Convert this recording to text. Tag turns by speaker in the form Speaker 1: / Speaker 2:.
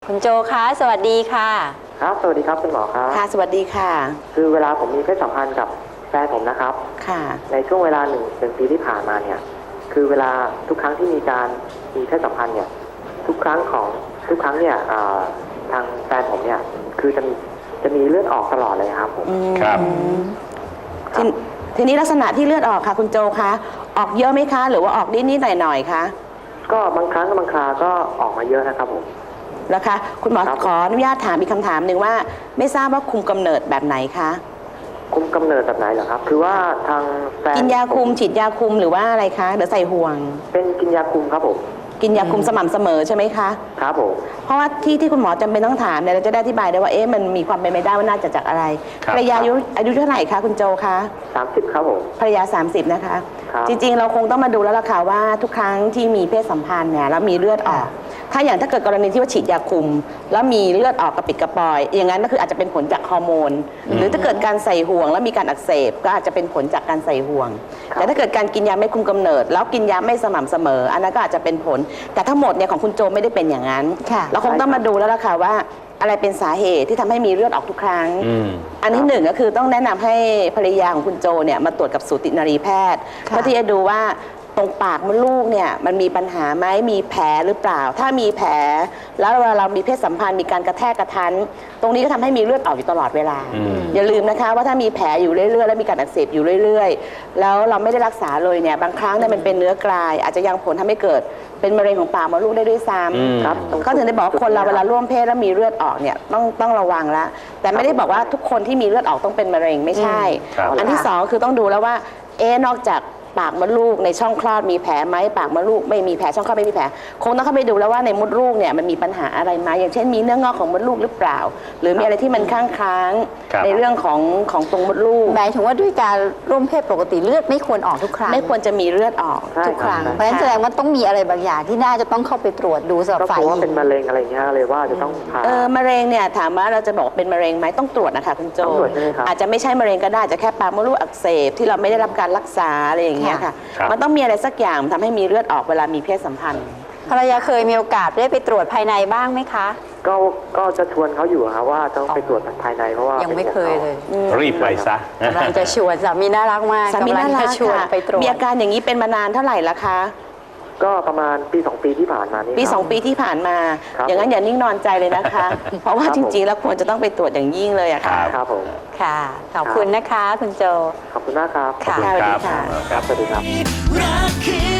Speaker 1: คุณโจคะสวัสดีค่ะ
Speaker 2: ครับสวัสดีครับคุณหมอครับ
Speaker 3: ค่ะสวัสดีค่ะ
Speaker 2: คือเวลาผมมีเพศสัมพันธ์กับแฟนผมนะครับ
Speaker 3: ค่ะ
Speaker 2: ในช่วงเวลาหนึ่งปีที่ผ่านมาเนี่ยคือเวลาทุกครั้งที่มีการมีเพศสัมพันธ์เนี่ยทุกครั้งเนี่ยทางแฟนผมเนี่ยคือจะมีเลือดออกตลอดเลยครับผม
Speaker 4: ครับ
Speaker 3: ทีนี้ลักษณะที่เลือดออกค่ะคุณโจคะออกเยอะไหมคะหรือว่าออกนิดๆหน่อยๆคะ
Speaker 2: ก็บางครั้งบางคราก็ออกมาเยอะนะครับผม
Speaker 3: แล้วคะคุณหมอขออนุญาตถามอีกคำถามหนึ่งว่าไม่ทราบว่าคุมกำเนิดแบบไหนคะ
Speaker 2: คุมกำเนิดแบบไหนเหรอครับคือว่าทางแฟน
Speaker 3: กินยาคุมฉีดยาคุมหรือว่าอะไรคะหรือใส่ห่วง
Speaker 2: เป็นกินยาคุมครับผม
Speaker 3: กินยาคุมสม่ำเสมอใช่ไหมคะ
Speaker 2: ครับผม
Speaker 3: เพราะว่าที่คุณหมอจำเป็นต้องถามเนี่ยเราจะได้อธิบายได้ว่ามันมีความเป็นไปได้ว่าน่าจะจากอะไรภรรยาอายุเท่าไหร่คะคุณโจคะ
Speaker 2: 30ครับผม
Speaker 3: ภรรยา30นะคะจริงๆเราคงต้องมาดูแล้วล่ะค่ะว่าทุกครั้งที่มีเพศสัมพันธ์เนี่ยแล้วมีเลือดออกถ้าเกิดกรณีที่ว่าฉีดยาคุมแล้วมีเลือดออกกระปิดกระปอยอย่างนั้นก็คืออาจจะเป็นผลจากฮอร์โมนหรือถ้าเกิดการใส่ห่วงแล้วมีการอักเสบก็อาจจะเป็นผลจากการใส่ห่วงแต่ถ้าเกิดการกินยาไม่คุมกำเนิดแล้วกินยาไม่สม่ำเสมออันนั้นก็อาจจะเป็นผลแต่ทั้งหมดเนี่ยของคุณโจไม่ได้เป็นอย่างนั้นเราคงต้องมาดูแล้วล่ะค่ะว่าอะไรเป็นสาเหตุที่ทำให้มีเลือดออกทุกครั้งอันที่หนึ่งก็คือต้องแนะนำให้ภรรยาของคุณโจเนี่ยมาตรวจกับสูตินรีแพทย์เพื่อที่จะดูว่าตรงปากมดลูกเนี่ยมันมีปัญหาไหมมีแผลหรือเปล่าถ้ามีแผลแล้วเวลาเรามีเพศสัมพันธ์มีการกระแทกกระทันตรงนี้ก็ทำให้มีเลือดออกอยู่ตลอดเวลาอย่าลืมนะคะว่าถ้ามีแผลอยู่เรื่อยๆแล้วมีการอักเสบอยู่เรื่อยๆแล้วเราไม่ได้รักษาเลยเนี่ยบางครั้งเนี่ยมันเป็นเนื้อกลายอาจจะยังผลทำให้เกิดเป็นมะเร็งของปากมดลูกได้ด้วยซ้ำครับก็ถึงได้บอกคนเราเวลาร่วมเพศแล้วมีเลือดออกเนี่ยต้องระวังแล้วแต่ไม่ได้บอกว่าทุกคนที่มีเลือดออกต้องเป็นมะเร็งไม่ใช่อันที่สองคือต้องดูแล้วว่านอกจากปากมดลูกในช่องคลอดมีแผลไหมปากมดลูกไม่มีแผลช่องคลอดไม่มีแผลคงต้องเข้าไปดูแล้วว่าในมดลูกเนี่ยมันมีปัญหาอะไรไหมอย่างเช่นมีเนื้องอกของมดลูกหรือเปล่าหรือมีอะไรที่มันค้างในเรื่องของตรงมดลูก
Speaker 1: หมายถึงว่าด้วยการร่วมเพศปกติเลือดไม่ควรออกทุกครั้ง
Speaker 3: ไม่ควรจะมีเลือดออกทุกครั้ง
Speaker 1: เพราะฉะนั้นแสดงว่าต้องมีอะไรบางอย่างที่น่าจะต้องเข้าไปตรวจดูสำหรับฝ่ายหญิง
Speaker 2: ว่าเป็นมะเร็งอะไรเงี้ยเลยว่าจะต้องผ่าม
Speaker 3: ะเร็งเนี่ยถามว่าเราจะบอกเป็นมะเร็งไหมต้องตรวจนะคะคุณโจอาจจะไม่ใช่มะเร็งก็ได้จะแค่ปากมดลูกอักเสบที่เราไม่ได้รับการรักษาอะไรอย่างเงี้ยค่ะมันต้องมีอะไรสักอย่างทำให้มีเลือดออกเวลามีเพศสัมพันธ์
Speaker 1: ภรรยาเคยมีโอกาสได้ไปตรวจภายในบ้างไหมคะ
Speaker 2: ก็จะชวนเขาอยู่ครับว่าต้องไปตรวจภายในเพราะว่า
Speaker 1: ยังไม่เคยเลย
Speaker 4: รีบไปซะ
Speaker 1: กำลังจะชวนสามีน่ารักมาก
Speaker 3: สามีน่ารัก
Speaker 1: ชวนไปตรวจ
Speaker 3: มีอาการอย่างนี้เป็นมานานเท่าไหร่ละคะ
Speaker 2: ก็ประมาณปี2ปีที่ผ่านมานี่
Speaker 3: ปี2ปีที่ผ่านมาอย่างนั้นอย่านิ่งนอนใจเลยนะคะเพราะว่าจริงๆแล้วควรจะต้องไปตรวจอย่างยิ่งเลยอะค่ะ
Speaker 2: ครับผม
Speaker 1: ค่ะขอบคุณนะคะคุณโจ
Speaker 2: ขอบคุณมากครับ
Speaker 3: ค่ะสวัสดีค่ะ
Speaker 2: ครับสวัสดีครับ